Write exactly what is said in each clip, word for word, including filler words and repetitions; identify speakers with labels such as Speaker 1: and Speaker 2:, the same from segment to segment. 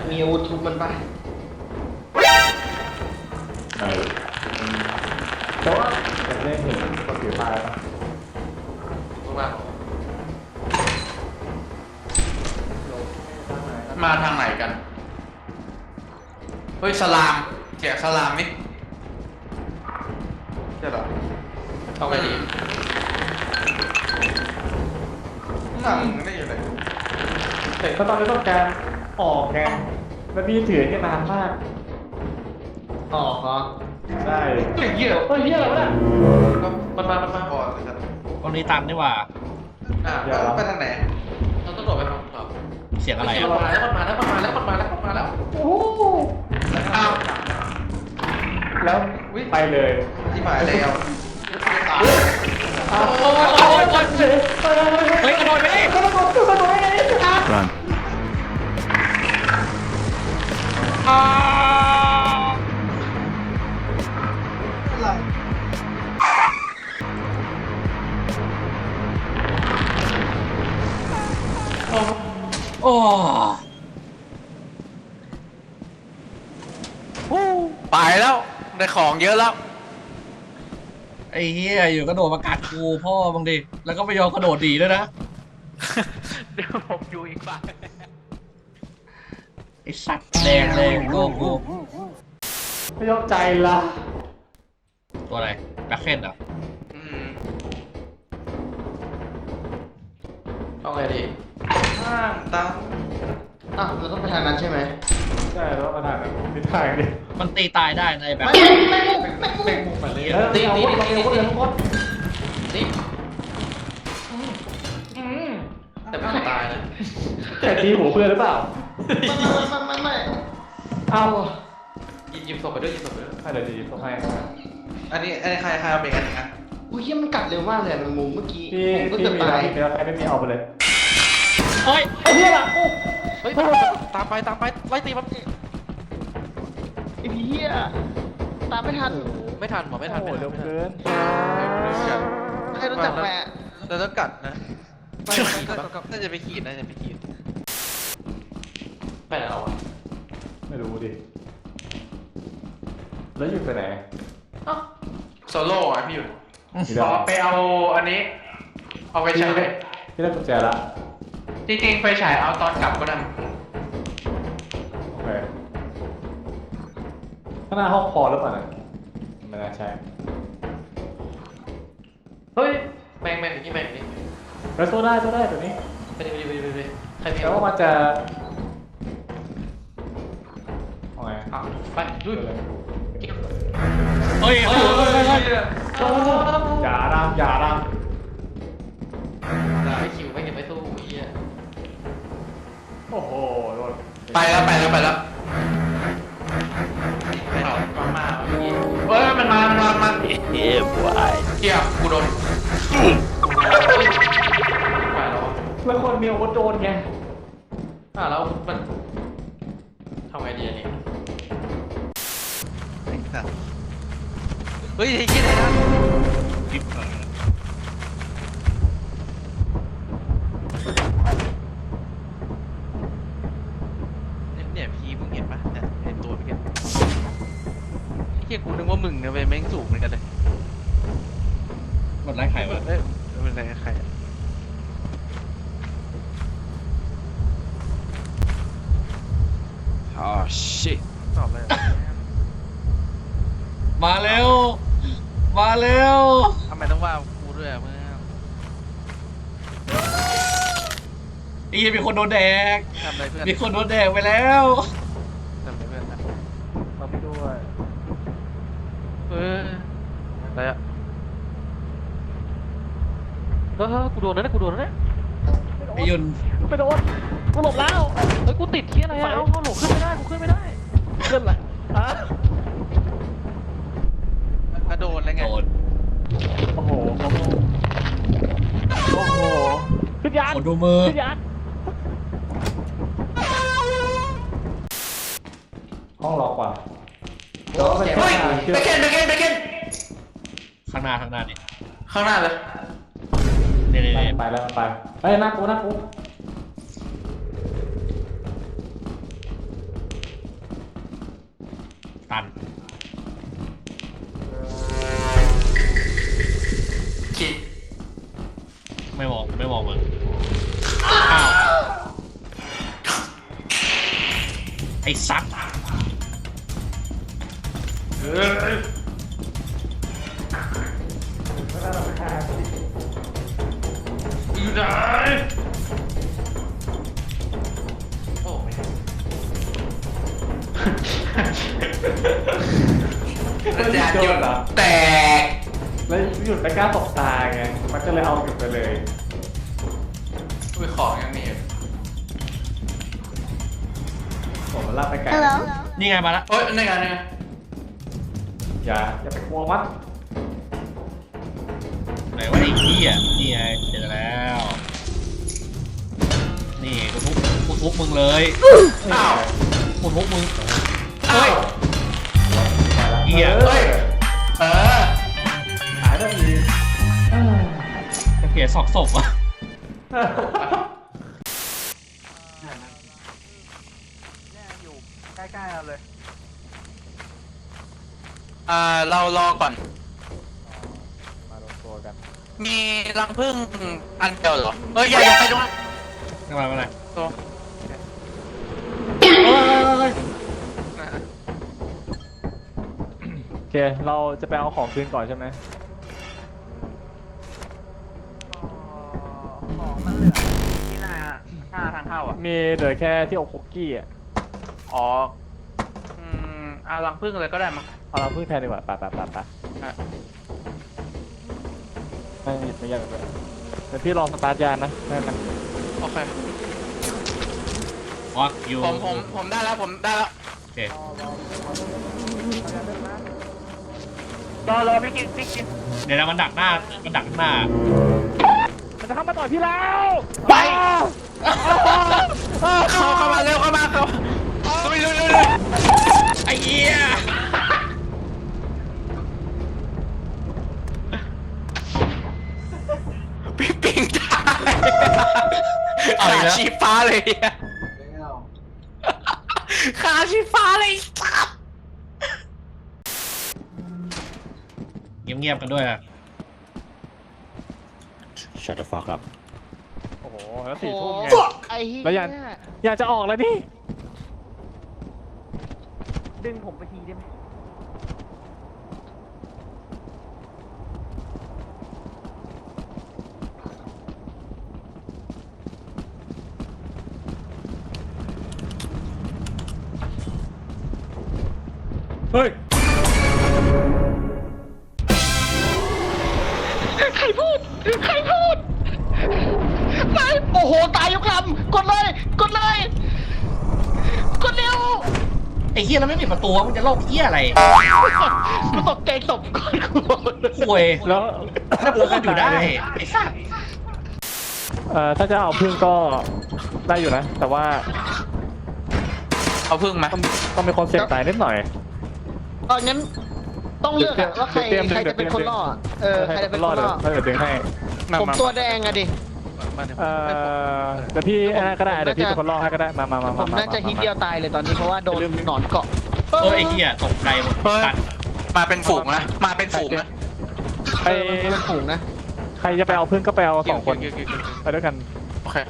Speaker 1: มีอาวุธทุบมันปะ
Speaker 2: เออแต่ว่าจะได้เห็นคนถือไม้แล้วปะ
Speaker 1: มา
Speaker 3: มาทางไหนกันเฮ้ยสลามเสียงสลามนี่ใช่หรอ
Speaker 1: เอาไงดี
Speaker 3: หนังนี่อยู่ไหน
Speaker 2: แต่ก็ตอนนี้ต้องการออกไงมันมีถือแค่นานมาก
Speaker 1: ออกเหรอ
Speaker 2: ได้
Speaker 1: เฮ้ยเหี้ย
Speaker 2: เฮ้ยเฮียอะไรวะเนี่ย
Speaker 3: ก็มันมามันมาก่อนเลยครับ
Speaker 4: ตรงนี้ตันนี่หว่า
Speaker 3: อ่าไปทางไหน
Speaker 1: เราต้องโดดไปทางต่อ
Speaker 4: เสียงอะไร
Speaker 1: มั
Speaker 4: อ่ะ
Speaker 1: นมาแล้วมันมาแล้วมันมาแล้วมันมาแล้วมันมาแล้ว
Speaker 2: โอ้โห
Speaker 3: อ้าว
Speaker 2: แล้วไปเลย
Speaker 3: ที่หมายแล้ว
Speaker 2: อ้าวโอ้ยโอ้ยโอ้ยเฮ้ย
Speaker 4: เฮ้ยกระโดดไปดิ
Speaker 2: กระโดดกระโดดไปเลยอ่ะ
Speaker 4: รันอ้าวโอ้
Speaker 3: ไปแล้วได้ของเยอะแล้ว
Speaker 4: ไอ้เหี้ยอยู่กระโดดมากัดกูพ่อบังดิแล้วก็ไม่ยอมกระโดดดีด้วยนะ
Speaker 3: เดี๋ยวผมอยู่อีกฝั่ง
Speaker 4: ไอ้สัตว์แดงแดงโก้กู
Speaker 2: ไม่ยอมใจละ
Speaker 4: ตัวอะไรแบ็คเคนเหรอ
Speaker 3: อืม
Speaker 1: เอาไงดี
Speaker 3: ข้างตั้ง
Speaker 1: อ่ะเราต้องไปทางนั้นใช่ไหม
Speaker 2: ใช่แล้วประธานทิศทางดิ
Speaker 4: มันตีตายได้ในแบบ
Speaker 1: ไม่ไม่ไม่ไม่ไม่
Speaker 3: มุกมาเลย
Speaker 1: ตีตีตีตีตีตีแต่ไม่ตายนะ
Speaker 2: แต่ตีหัวเพื่อนหรือเปล่า
Speaker 1: ไม่ไม่ไม่ไม่
Speaker 2: เอา
Speaker 1: หยิบหยิบศพไปด้วยหยิบศพไปด้วย
Speaker 2: ให้เดี๋ยวดีต้องให้
Speaker 3: อันนี้อันนี้ใครใครเอาเป็นกันนะ
Speaker 1: อุ้ยเหี้ยมันกัดเร็วมากเลยมันมุมเมื่อกี้
Speaker 2: พี่
Speaker 1: ผมก็
Speaker 2: พี่
Speaker 1: เกือบ
Speaker 2: มี
Speaker 1: ตา
Speaker 2: แล้ว
Speaker 1: ย
Speaker 2: พี่มีแล้วใครไม่มีเอาไปเลย
Speaker 4: เฮ้ย
Speaker 2: ไอ้เหี้ยล่ะโอ้
Speaker 3: เฮ้ยตามไปตามไปไล่ตีมัน
Speaker 1: ไอ้เหี้ยตามไม่ทัน
Speaker 3: ไม่ทันหมอไม่ทัน
Speaker 2: โห
Speaker 3: ไม่ทัน
Speaker 2: เร็วเกิน
Speaker 1: ใครรู้จักแปะ
Speaker 3: เราต้องกัดนะไม่น่าจะไปขีดน่าจะไปขีด
Speaker 1: ไปไหนเราอะ
Speaker 2: ไม่รู้ดิแล้วอยู่ไปไหน
Speaker 3: โซโล่อะพี่อยู่
Speaker 2: อีกแล้ว
Speaker 3: ไปเอาอันนี้ เอาไปฉาย
Speaker 2: พี่ได้กุญแจละ
Speaker 3: จริงๆไฟฉายเอาตอนกลับก็ได้
Speaker 2: โอเคข้างหน้าห้องพอหรือเปล่าเนี่ยไม่น่าใช่
Speaker 1: เฮ้ยแม่งแม่งนี่แม่งนี่
Speaker 2: แล้วโซได้โซได้ตัวนี้
Speaker 1: ไปดิไปดิไปดิไปดิใครมี
Speaker 2: แต่ว่ามันจะเอาไง
Speaker 1: อ่ะไปลุย
Speaker 4: เฮ้ยเฮ้ยเฮ้ยเฮ้ยเฮ้ย
Speaker 2: อย่าดามอย่าดาม
Speaker 1: ไม่คิวไม่เก็บไม่สู้ไอ้เหี้ย
Speaker 2: โอ้โหโดน
Speaker 3: ไปแล้วไปแล้วไปแล้ว
Speaker 1: มามาเมื่อกี้
Speaker 3: เฮ้ยมันมามันมามัน
Speaker 4: เฮ้ยบวย
Speaker 3: เกี่ยวกูโดน
Speaker 1: ไปแล้ว
Speaker 2: แล้วคนมีอาวุธโดนไง
Speaker 1: อ่ะแล้วมันทำไงดีอันนี้
Speaker 3: เฮ้ยไอ้คิดอะไรนะ
Speaker 4: ปิ๊บเออ
Speaker 3: เนี่ยพี่มึงเห็นปะเนี่ยเห็นตัวพี่กันเฮียกูนึกว่ามึงเนี่ยเป็นแม่งสูงเหมือนกันเลย
Speaker 4: มันไล่ไข่วะ
Speaker 3: เอ้ยเป็นอะไรใคร
Speaker 4: อ๋อ shit
Speaker 3: ตอบเลย
Speaker 4: มาเร็ว มาเร็ว
Speaker 3: ทำไมต้องว่ากูด้วยอะเมื่อ
Speaker 4: ไอ้เหี้ยมีคนโดนแดก
Speaker 3: ทำอะไรเพื่อน
Speaker 4: มีคนโดนแดกไปแล้ว
Speaker 3: ทำอะไรเพื่อนนะ
Speaker 2: มาพี่ด้วย
Speaker 3: เอออะไรอะเออกูโดนแล้วนะกูโดนแล้วนะ
Speaker 4: ไอ้ยุน
Speaker 2: ไปโดนกูหลบแล้ว
Speaker 3: เฮ้ยกูติดเที่ยอะไรอะเอาเอาหลบขึ้นไม่ได้กูขึ้นไม่ได้
Speaker 2: ขึ้นเลยอ่ะ
Speaker 3: กระโดดอะไรไง
Speaker 4: โดน
Speaker 2: โอ้โหโอ้โหโอ้โหขึ้นยาน
Speaker 4: คนดูมือ
Speaker 2: ขึ้นยานห้องล็อกว่ะเดี๋ยวไป
Speaker 3: เฮ้ย
Speaker 2: เชื่อ
Speaker 3: ไปเคนไปเคนไปเคน
Speaker 4: ข้างหน้าข้างหน้านี่
Speaker 3: ข้างหน้าเลย
Speaker 4: นี่นี่
Speaker 2: ไป
Speaker 4: นี่
Speaker 2: ไปแล้วไปไปหน้ากูหน้ากู
Speaker 4: ตัน
Speaker 1: คิด
Speaker 4: ไม่มองไม่มองมึงอ้าวไอ้สัตว์
Speaker 1: เฮ้ย
Speaker 2: ไม่ได้หรอกค่ะ
Speaker 1: อยู่ไหนโอ้ไม่อาจารย์หยุดแตก
Speaker 2: แล้วหยุดไม่กล้าตกตาไงมันก็เลยเอาหยุดไปเลย
Speaker 1: อุ้ยของยังมีอยู่
Speaker 2: ผมมันลากไปไกล
Speaker 5: Hello.
Speaker 4: นี่ไงมาละ
Speaker 1: โอ๊ยนี่ไงนี่ไง
Speaker 2: อย่าอย่าไปกลัวมัน
Speaker 4: ไหนว่าไอ้ขี้อ่ะนี่ไงเจอแล้ว นี่กูทุบกูทุบมึงเลย
Speaker 1: อ้าว
Speaker 4: กูทุบมึง
Speaker 1: เฮ้ย
Speaker 4: เหี้ย
Speaker 2: เฮ้ย
Speaker 1: เออ
Speaker 2: หายแล้วอีกเอ้ย
Speaker 4: จะเปลี่ยนศอกศพอ่ะ
Speaker 3: อยู่ใกล้ๆเราเลย
Speaker 6: อ่าเรารอก่อน
Speaker 2: มารวมตัวกัน
Speaker 6: มีรังผึ้งอันเดียวเหรอ เฮ้ยอย่าอย่าไปตรงนั้น
Speaker 4: ทำไมมาไหน
Speaker 6: ตัว
Speaker 2: โอเค เราจะไปเอาของคืนก่อนใช่ไหม
Speaker 3: ของมันเหลือที่หน้าหน้าทางเข้าอ่ะ
Speaker 2: มีเหลือแค่ที่อกคุกกี้อ่ะ
Speaker 6: อ๋ออืมเอารังผึ้งเลยก็ได้มั้ง
Speaker 2: เอาเราพึ่งแทนดีกว่าไปไปไปไป
Speaker 6: อ่ะ
Speaker 2: ไม่หยิบไม่ยากเลยเดี๋ยวพี่ลองสตาร์ทยานนะได้ไหม
Speaker 6: โอเค
Speaker 4: วักอยู่
Speaker 6: ผมผมผมได้แล้วผมได้แล้ว
Speaker 4: โอเค
Speaker 6: รอรอพี่กินพี่กิน
Speaker 4: เดี๋ยวนะมันดักหน้ามันดักหน้า
Speaker 2: มันจะเข้ามาต่อยพี่แล้ว
Speaker 6: ไปเข้าเข้ามาเร็วเข้ามาเข้าลุยลุยลุยลุย
Speaker 4: ไอ้เหี้ย
Speaker 6: พี่ปิงตายขาชีฟ้าเลยอะขาชีฟ้าเลยสับ
Speaker 4: เงียบๆกันด้วยอะ
Speaker 7: Shut the fuck up
Speaker 2: โอ้โหแล้วสี่ทุ่มไง
Speaker 5: ไอ้เหี้ย
Speaker 2: แล้วอยากอยากจะออกแล้วนี่
Speaker 3: ดึงผมไปทีได้ไหม
Speaker 2: เฮ้ย
Speaker 5: ใครพูด ใครพูดตายโอ้โห ตายยกลำกดเลย กดเลย กดเร็ว
Speaker 4: ไอ้เหี้ยแล้วไม่ปิดประตูวะมึงจะโลกเหี้ยอะไร
Speaker 5: กูตกใจตบก่อนกู
Speaker 4: ป่วย
Speaker 2: แล้ว
Speaker 4: แล้วพูดกันอยู่ได้ไอ้สัส
Speaker 2: เอ่อถ้าจะเอาพึ่งก็ได้อยู่นะ แต่ว่า
Speaker 6: เอาพึ่งไหม
Speaker 2: ต้องต้องมีคนเสี่ยงตายนิดหน่อย
Speaker 5: ตอนงั้นต้องเลือกอะว่าใคร
Speaker 2: เตรียม
Speaker 5: ใคร
Speaker 2: เตรียม
Speaker 5: จะเป็น
Speaker 2: เตรียม
Speaker 5: คนล่ออะเออ ใครจะเป็นคน
Speaker 2: เดี๋ย
Speaker 5: ล่
Speaker 2: ว
Speaker 5: อ
Speaker 2: เดี๋ยวดึงให้
Speaker 5: ผมตัวแดงอะดิ
Speaker 3: มาเดี๋ยว
Speaker 2: เอ่อเดี๋ยวพี่ไอ้นั่นก็ได้ เดี๋ยวพี่เป็นคนล่อให้ก็ได้ มามามา
Speaker 5: ผม
Speaker 2: มา
Speaker 5: น่าจะฮิตเดียวตายเลยตอนนี้เพราะว่าโดนหนอนเกาะ
Speaker 4: เออไอ้เหี้ยตกใจหมด
Speaker 6: เฮ้ย
Speaker 4: สัตว์
Speaker 6: มาเป็นฝูงนะมาเป็นฝูงนะ
Speaker 2: ใค
Speaker 5: เอ
Speaker 2: ร
Speaker 5: อมันเป็นฝูงนะ
Speaker 2: ใครจะไปเอาพึ่งก็ไปเอาสองคน
Speaker 6: เกี่ยวเกี่ยวเกี่ยวเกี่ยว
Speaker 2: ไปด้วยกัน
Speaker 6: โอเค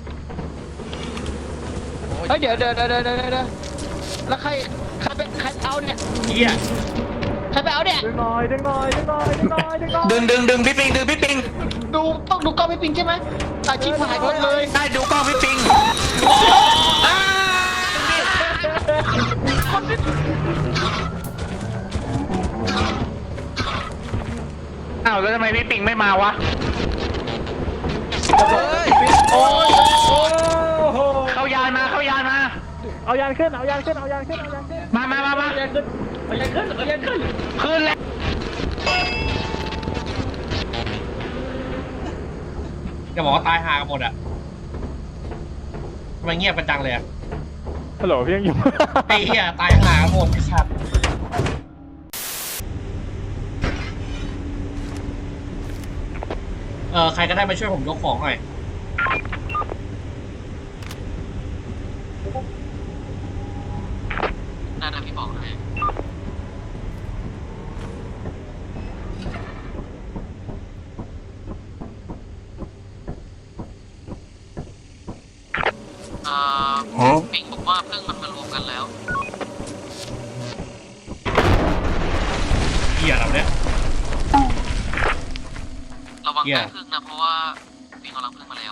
Speaker 5: เฮ้ยเดี๋ยวเดี๋ยวเดี๋ยวเดี๋ยวเดี๋ยวเดี๋ยวแล้วใครใครเป็นใครเอาเนี่ย
Speaker 4: เหี้ย
Speaker 5: ใครไปเอาเนี่ย
Speaker 2: ดึงหน่อยดึงหน่อยดึงหน่อยดึงหน่อยดึงหน่อย
Speaker 6: ดึงดึงดึงพี่ปิงดึงพี่ปิง
Speaker 5: ดูต้องดูกล้องพี่ปิงใช่ไหมอาชีพหายหมดเลย
Speaker 6: ได้ดูกล้องพี่ปิงอ้าอ้าวแล้วทำไมพี่ปิงไม่มาวะเฮ้ยโอ้ย
Speaker 2: โอ้โห
Speaker 6: เข้ายานมาเข้ายานมา
Speaker 2: เอายานขึ้น เอายานขึ้น เอายานขึ้น เอายานขึ้น
Speaker 6: มามามามา
Speaker 2: เอายานขึ้น เอายานขึ้น เอายานขึ้น
Speaker 6: ขึ้นแล้ว
Speaker 4: จะบอกว่าตายหากันหมดอะทำไมเงียบกันจังเลยอะ
Speaker 2: ฮัลโหลพี่ยังอยู่
Speaker 4: ไอ้เหี้ยตายหากันหมดไอ้สัตว์เออใครก็ได้มาช่วยผมยกของหน่อย
Speaker 5: นั่นนะพี่บอกให้
Speaker 6: ปิงบอกว่าเพิ่งมันมารวมกันแล้ว
Speaker 4: เหี้ยอะไรเนี่ย
Speaker 6: ระวัง
Speaker 4: เหี้ย
Speaker 6: ใต้พึ่งนะเพราะว่าปิงกำลังพึ่งมาแล้ว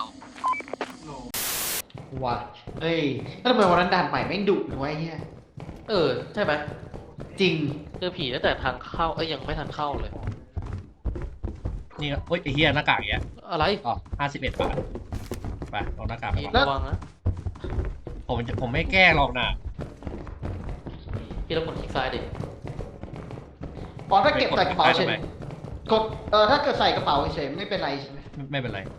Speaker 5: ว่ะเฮ้ยแล้วทำไมวันนั้นด่านใหม่แม่งดุนะวะไอ้เหี้ย
Speaker 1: เออใช่ไหม
Speaker 5: จริง
Speaker 1: เจอผีตั้งแต่ทางเข้าเอ้ยยังไม่ทันเข้าเลย
Speaker 4: นี่ก็เฮ้ยไอ้เหี้ยหน้ากากเนี้ย
Speaker 1: อะไร
Speaker 4: อ๋อห้าสิบเอ็ดบาทไปเอาหน้ากากไป
Speaker 1: พี่
Speaker 4: ก่อน
Speaker 1: ระวังนะ
Speaker 4: ผมจะผมไม่แกล้งหรอกนะ
Speaker 1: พี่ต้องกดคลิกซ้ายดิ
Speaker 5: อ๋อถ้าเก็บใส่กระเป๋าเฉ
Speaker 4: ทำ
Speaker 5: ย
Speaker 4: ไม
Speaker 5: กดเออถ้าเกิดใส่กระเป๋าเฉยไม่เป็นไรใช่ไหม
Speaker 4: ไม่ไม่เป็นไร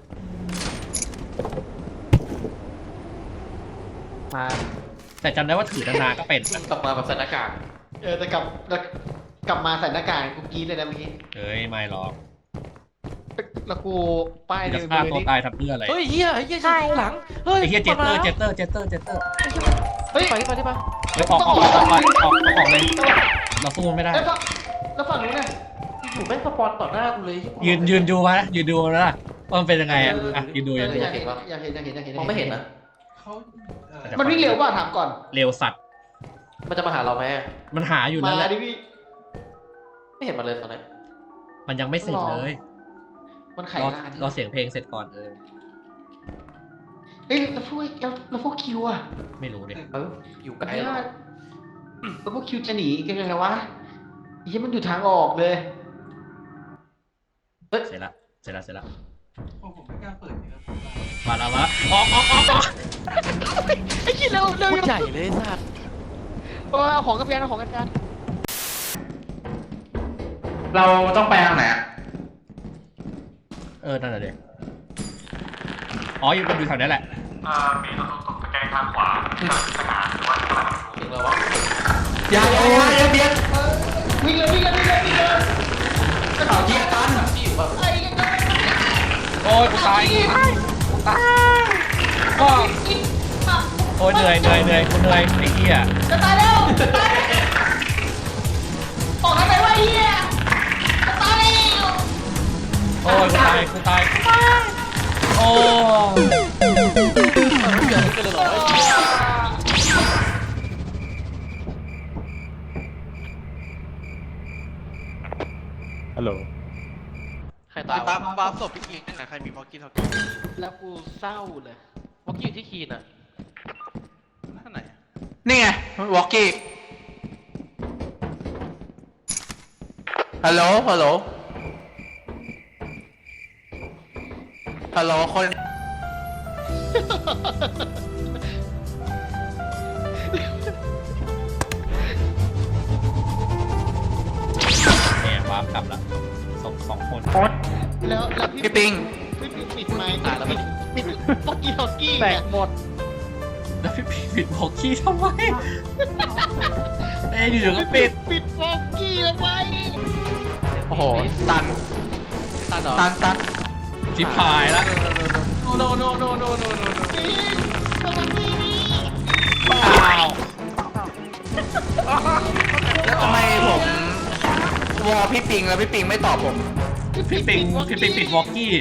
Speaker 5: มา
Speaker 4: แต่จำได้ว่าถือนานๆก็เป็น
Speaker 1: กลับมาแบบใส่หน้ากาก
Speaker 5: เออแต่กลับแล้วกลับมาใส่หน้ากากกูกรีดเลยนะเมื่อกี้
Speaker 4: เอ้ยไม่หรอก
Speaker 5: แล้วกูป้าย
Speaker 4: จะ
Speaker 5: ใน
Speaker 4: ฆ่า
Speaker 5: มือ
Speaker 4: ตัว
Speaker 5: นี่
Speaker 4: ตายทำเพื่ออะไร
Speaker 1: เฮ้ยเฮียเฮียใช่หลังเฮ้ย
Speaker 4: ไอ้เหี้ยเจตเตอร์
Speaker 1: มา
Speaker 4: เจ
Speaker 1: แล้ว
Speaker 4: ตเตอร์เจตเตอร์เจตเตอร์
Speaker 5: เฮ้ย
Speaker 1: ไปดิไปดิไป
Speaker 4: เฮ้ยออกออกออกออกออกออกออกเลยเราสู้มันไม่ได้
Speaker 5: แล้วฝั่งแล้วฝั่งนู้นน่ะ
Speaker 1: อยู่แม่งสปอนต่อหน้ากูเลย
Speaker 4: ยืนยืนดูมานะยืนดูมานะว่ามันเป็นยังไงอ่ะอ่ะยืนดู
Speaker 5: เอ
Speaker 4: ยื
Speaker 5: อน
Speaker 4: ดู
Speaker 5: อยากเห็นอยากเห็นอยากเห็นอยากเห็น
Speaker 1: มองไม่เห็นนะ
Speaker 5: มันวิ่งเร็วป่ะถามก่อน
Speaker 4: เร็วสัตว์
Speaker 1: มันจะมาหาเราไหม
Speaker 4: มันหาอยู่
Speaker 5: มา
Speaker 4: นั่นแหละ
Speaker 5: ดิพี่
Speaker 1: ไม่เห็นมันเลยตอนนี้
Speaker 4: มันยังไม่เสร็จเลย
Speaker 5: มันไข
Speaker 4: รอ
Speaker 5: ลาน
Speaker 4: รอเสียงเพลงเสร็จก่อนเออ
Speaker 5: เอ้ยแล้วพวกแล้วแล้วพวกคิวอ่ะ
Speaker 4: ไม่รู้ดิ
Speaker 1: เอออยู่ไกล
Speaker 5: ไอ้
Speaker 1: แล้ว
Speaker 5: ว่าแล้วพวกคิวจะหนีกันยังไงวะไอ้เหี้ยมันอยู่ทางออกเลย
Speaker 1: เฮ้ย
Speaker 4: เสร็จละเสร็จละเสร็จละมาแล้วมาออกออกออกออก
Speaker 5: ไอ้เหี้ยเร็วเร็ว
Speaker 1: พูดใหญ่เลยสัตว์
Speaker 5: เอาของกระเพียนเอาของกระเพียน
Speaker 2: เราต้องไปทางไหนอะ
Speaker 4: เออนั่นแหละเด็กอ๋ออยู่มันอยู่แถวนี้แหละ
Speaker 2: อ่ามีตรงตรงตะแกรงทางขวาสนามหรือว่า
Speaker 1: ถึงแล้ววะ
Speaker 6: อย่าอย่าอย่าอย่าเบียด
Speaker 5: วิ่งเลยวิ่งเลยวิ่งเลยวิ่งเลย
Speaker 6: เอาเกียร์ตัน
Speaker 1: พี่อยู่แบบ
Speaker 5: ไอ้ยังไง
Speaker 4: โอ้ยกูตายกูตายก็โอ้ยเหนื่อยเหนื่อยเหนื่อยกูเหนื่อยไอ้เหี้ย
Speaker 5: จะตายแล้วจะตายแล้วออกทางไหนวะไอ้เหี้ยจะตายแล้ว
Speaker 4: โอ้ยกูตายกูตายโอ้
Speaker 1: ไม่เหลือกันเลยเหรอ
Speaker 2: ฮัลโหล
Speaker 1: ใคร
Speaker 3: ตา
Speaker 1: ตาย
Speaker 3: ม
Speaker 1: วะ
Speaker 3: บาร์ศพพี่กิ๊กนะใครมีพ็อกกี้ท็อกกี้
Speaker 5: แล้วกูเศร้าเลย
Speaker 1: เมื่อกี้อยู่ที่คีนอ่ะ
Speaker 3: ท่านไหนอะ
Speaker 6: นี่ไงวอกกี้ฮัลโหลฮัลโหลฮัลโหลคน
Speaker 4: เนี่ยวาร์ปกลับละสองสองคน
Speaker 5: แล้วแล้วพี่
Speaker 6: พี่ปิง
Speaker 5: พี่ปิดปิดไมค์ตายแล้วปิดปิดฟอกกี้ฟอกกี้
Speaker 2: แต
Speaker 5: เนี่ย
Speaker 2: กหมด
Speaker 4: แล้วพี่ปิดบอกขี้ทำไมเอ้ยอยู่ๆก็ปิด
Speaker 5: ปิดฟอกกี้แล้วไว้
Speaker 6: โอ้โหตัน
Speaker 1: ตันเหรอ
Speaker 6: ตันตัน
Speaker 4: ชิบหายละ
Speaker 1: โนโนโนโนโนโน
Speaker 5: ปิดสวัสดี
Speaker 4: อ้าว
Speaker 6: แล้วทำไมผมวอลพี่ปิงแล้วพี่ปิงไม่ตอบผม
Speaker 4: พี่ปิงพี่ปิงปิดวอกกี้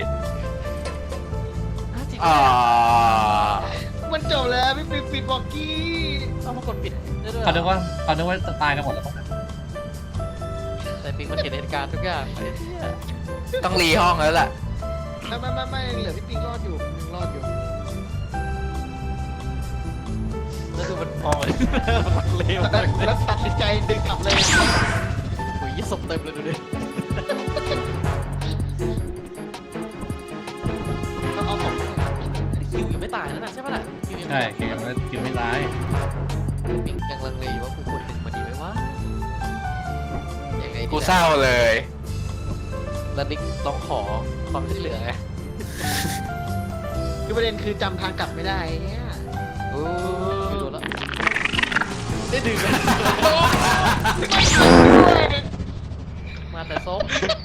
Speaker 6: อ่า
Speaker 5: มันจบแล้วพี่ปิดปิดฟอกกี้
Speaker 1: เอามากดปิดได้ด้วย
Speaker 4: เขาคิดว่าเขาคิดว่าจะตายกันหมดแล้วมั้ง
Speaker 1: แต่ปิงมันเห็นเหตุการณ์ทุกอย่างเลย
Speaker 6: ต้องรีห้องแล้วแหละ
Speaker 5: ไม่ไม่ไม่ไม่เหลือพี่ปิงรอดอยู่ยังรอดอยู่
Speaker 1: แล้วดูมันพอเลยมันเลว
Speaker 5: แล้วแล้วตัดสินใจดึงกลับเลย
Speaker 1: โอ้ยศพเต็มเลยดูดิ
Speaker 5: แล้วเอาของ
Speaker 1: คิวยังไม่ตายนะนะใช่ปะล่ะคิวยัง
Speaker 4: ใช่เกมมันกินไม่ร้าย
Speaker 1: ปิงยังลังเลอยู่ว่ากูควรดึงมาดีไหมวะยังไงดี
Speaker 6: กูเศร้าเลย
Speaker 1: แล้วนิกต้องขอความช่วยเหลือไง
Speaker 5: คือประเด็นคือจำทางกลับไม่ได้เนี่ย
Speaker 1: โอ้ไม่รู้แล้วได้ดึงแล้วมาแต่ส้ม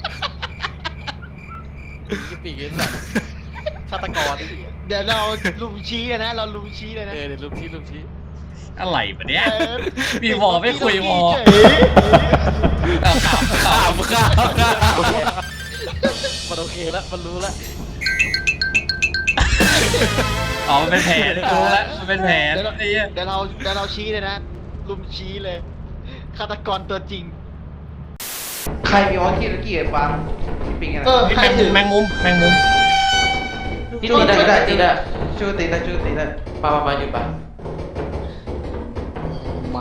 Speaker 1: ยี่ปีกันแบบฆาตกร
Speaker 5: เดี๋ยวเราลุมชี้เลยนะ เราลุมชี้เลย
Speaker 1: เอ
Speaker 5: นะ
Speaker 1: อเดี๋ยวลุมชี้ลุมชี้
Speaker 4: อะไรปะเนี่ย
Speaker 5: เออ
Speaker 4: มีวอไม่คุยวอ
Speaker 5: เฉย
Speaker 4: ข่าวข่าว
Speaker 6: ข่าวข่าวข่าว
Speaker 1: มันโอเคแล้วมันรู้แล้ว
Speaker 4: อ๋อมันเป็นแผนรู้แล้วมันเป็นแผน
Speaker 5: เดี๋ยวเรา
Speaker 4: ไอ้เหี้ย
Speaker 5: เดี๋ยวเราเดี๋ยวเราชี้เลยนะลุมชี้เลยฆาตกรตัวจริง
Speaker 2: ใครมีวอลกี้ตะกี้ไอ้ฟังปิงอะไร
Speaker 5: เออ
Speaker 4: แมงมุมแมงมุมแมงมุม
Speaker 2: ตีได้ตีได้ตีได้ช่วยตีได้ช่วยตีได้
Speaker 1: มามามาหยุดปะ
Speaker 5: มา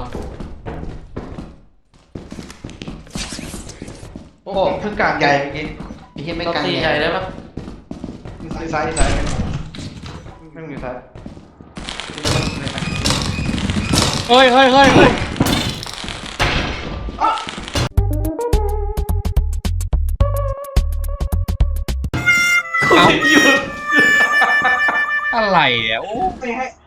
Speaker 2: โอ้โหเพิ่งกลางใหญ่เมื่อกี้
Speaker 5: ไอ้เหี้ยไม่
Speaker 1: เรา
Speaker 5: กัน
Speaker 1: ตีใหญ่ได้ปะ
Speaker 2: ซ้ายซ้ายซ้ายไม่มีซ้าย
Speaker 4: เฮ้ยเฮ้ยเฮ้ยเฮ้ยเอาอะไรอ่ะโอ้
Speaker 2: ไม่ให้